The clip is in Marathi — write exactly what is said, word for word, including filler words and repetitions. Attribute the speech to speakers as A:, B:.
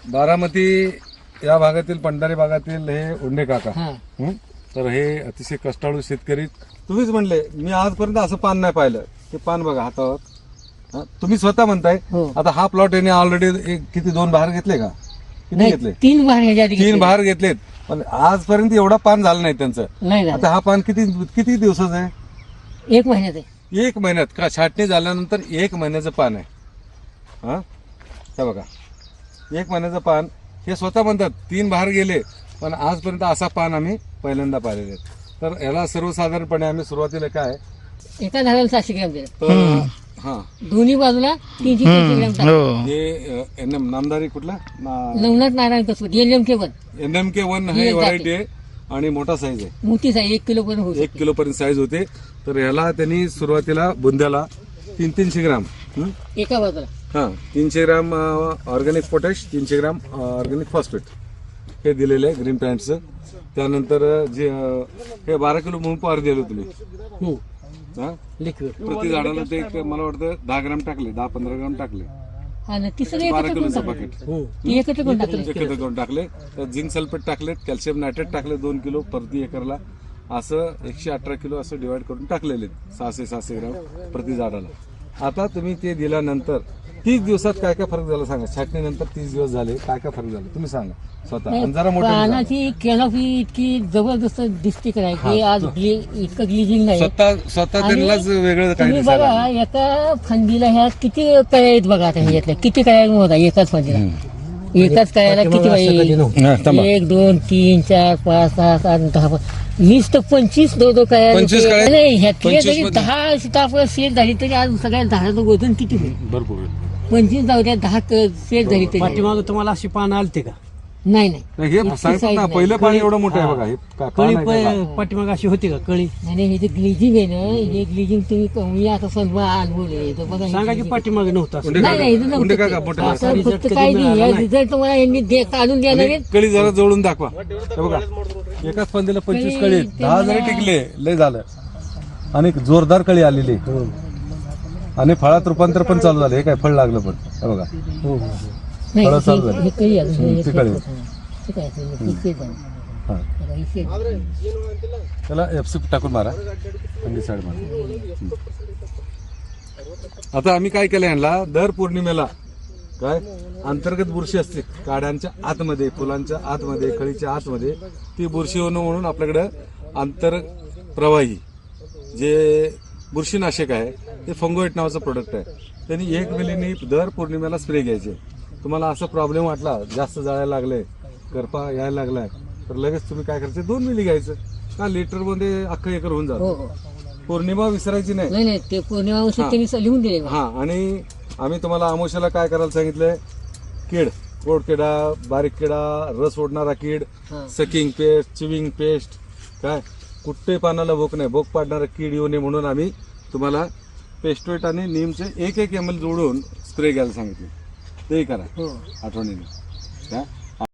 A: बारामती या भागातील पंढारी भागातील हे उंडे काका.
B: हा.
A: हं? तर हे अतिशय कष्टाळू शेतकरी. तुम्हीच म्हणले मी आजपर्यंत असं पान नाही पाहिलं. ते पान बघा हातावर. हं? तुम्ही स्वतः म्हणताय.
B: हो.
A: आता हा प्लॉट याने ऑलरेडी किती दोन बहार घेतले का? किती
B: नाही,
A: घेतले?
B: तीन बार ह्याच्या आधी
A: तीन
B: घेतले.
A: बहार घेतलेत. पण आजपर्यंत एवढा पान झालं नाही त्यांचं.
B: नाही झालं.
A: आता हा पान किती किती दिवसाचं आहे?
B: एक महिन्यात आहे.
A: एक महिन्यात का? छाटणी झाल्यानंतर एक महिन्याचं पान आहे. हा हे बघा एक महिन्याचं पान. हे स्वतः म्हणतात तीन बहार गेले पण आजपर्यंत असा पान आम्ही पहिल्यांदा पाहिलेले आहेत. तर याला सर्वसाधारणपणे आम्ही सुरुवातीला काय
B: एका झाडाला सातशे ग्रॅम दिलं.
A: तर हा
B: दोन्ही बाजूला तीनशे तीनशे ग्रॅम टाकलं.
A: हे एन एम नामदारी कुठला
B: नवनाथ नारायण कसबत L M K one
A: N M K one हे व्हरायटी आहे आणि मोठा साईज आहे.
B: मोठी साईज एक किलो पर्यंत होऊ
A: एक किलो पर्यंत साईज होते. तर ह्याला त्यांनी सुरुवातीला बुंद्याला तीन तीनशे ग्राम हं?
B: एका बाजूला
A: हा तीनशे ग्राम ऑर्गॅनिक पोटॅश, तीनशे ग्राम ऑर्गॅनिक फॉस्फेट हे दिलेले आहे ग्रीन पॅन्टचं. त्यानंतर जे अं, हे बारा किलो म्हणून पार दिलं तुम्ही. हा
B: लिक्विड
A: प्रति झाडाला ते एक मला वाटतं दहा ग्राम टाकले, दहा पंधरा ग्राम टाकले.
B: आणि ती सगळी
A: बारा
B: एकत्र करून
A: किलोचं
B: टाकली.
A: पाकिट
B: ती एकत्र करून टाकली.
A: एकत्र करून टाकले. त्यात झिंक सल्फेट टाकले, कॅल्शियम नायट्रेट टाकले दोन किलो प्रति एकरला. असं एकशे अठरा किलो असं डिवाइड करून टाकलेले सहाशे सहाशे ग्राम प्रति झाडाला. आता तुम्ही ते दिल्यानंतर तीस दिवसात काय काय फरक झाला सांगा. छाटणीनंतर तीस दिवस झाले काय काय फरक झाला तुम्ही सांगा स्वतः. आणि जरा मोठं
B: पानाची कॅनॉपी इतकी जबरदस्त दिसते काय की आज ग्ली- इतकं ग्लिजिंग नाही.
A: स्वतः स्वतः त्यांनाच वेगळं काय
B: तुम्ही
A: दिसायला
B: बघा एका फांदीला ह्या किती कळ्या आहेत बघा आता ह्याच्यातल्या किती कळ्या होता एकाच फांदीला. एकाच कळ्याला किती बाई एक दोन तीन चार पाच सहा सात दहा वीस तर पंचवीस दो दो
A: पंचवीस
B: कळ्या
A: कळ्या?
B: नाही ह्यातले
A: पंचवीस
B: जरी
A: मध्ये?
B: दहा सीताफळ सेट झाली तरी आज सगळ्या झाडाचं वजन किती होईल.
A: भरपूर आहे.
B: पंचवीस जाऊ द्या दहा सेट झाली तरी
C: पाठीमाग तुम्हाला अशी पानं आलते का?
B: नाही नाही
A: नाही, हे सांगतात ना पहिलं पाणी एवढं मोठं आहे बघा. हे का-
C: कळी
A: पान आहे का?
C: प- पाठीमाग अशी होती का कळी?
B: आणि हे जे ग्लिजिंग आहे ना हे ग्लिजिंग तुम्ही कमी आता सन्मा अनुभवले तर बघा हे
C: सांगा की
B: glazing.
C: पाठीमाग नव्हतं असं.
A: उंडे
B: नाही नाही
A: काका
B: इथं
A: उंडे
B: नव्हतं
A: काका
B: ते.
A: मोठे
B: आता
A: माणसं.
C: result
B: फक्त
C: कधी
B: काय
C: मिळाला
B: नाही
C: नाही.
B: रिझल्ट तुम्हाला यांनी दे- काढून देणार
A: आणि
B: आहेत.
A: कळी जरा जवळून दाखवा. हे बघा एकाच पंधीला पंचवीस
B: कळी
A: कळी आहेत.
B: ते
A: दहा जरी
B: मला-
A: टिकले लय झालं. आणि जोरदार कळी आलेली आणि फळात रूपांतर पण चालू झालं. हे काय फळ लागलं पण हे बघा
B: नाही,
A: फळं
B: हे-
A: चालू झाली.
B: हे काही अजून हे-
A: ती कळी.
B: हे काय असेल, हे शेत आहे.
A: हा.
B: बघा, हे शेत आहे.
A: त्याला एफसी टाकून मारा थंडी साईड मारा. आता आम्ही काय केलं यांना दर पौर्णिमेला काय अंतर्गत बुरशी असते काड्यांच्या आतमध्ये, फुलांच्या आतमध्ये, कळीच्या आतमध्ये ती बुरशी होणं म्हणून आपल्याकडे आंतरप्रवाही जे बुरशीनाशक आहे ते फंगोएट नावाचं प्रोडक्ट आहे. त्यांनी एक मिलीनी दर पौर्णिमेला स्प्रे घ्यायचे. तुम्हाला असा प्रॉब्लेम वाटला जास्त जाळायला लागले, करपा यायला लागलाय तर लगेच तुम्ही काय करायचं दोन मिली घ्यायचं का लिटर मध्ये अख्खं एकर होऊन
B: हो
A: जातं.
B: हो
A: पौर्णिमा विसरायची नाही.
B: नाही नाही ते पौर्णिमा औषध त्यांनी लिहून दिले मला.
A: हा आणि आम्ही तुम्हाला आमोशाला काय करायला सांगितलंय कीड, गोड किडा, बारीक किडा, रस ओढणारा कीड,
B: हा.
A: सकिंग पेस्ट, चिविंग पेस्ट, काय कुठे पानाला भोक नाही, भोक पाडणारा कीड येऊ नये म्हणून आम्ही तुम्हाला पेस्टोएट आणि नीमचे एक एक एम एल जोडून स्प्रे घ्यायला सांगितले. ते करा
B: हो
A: आठवणीने.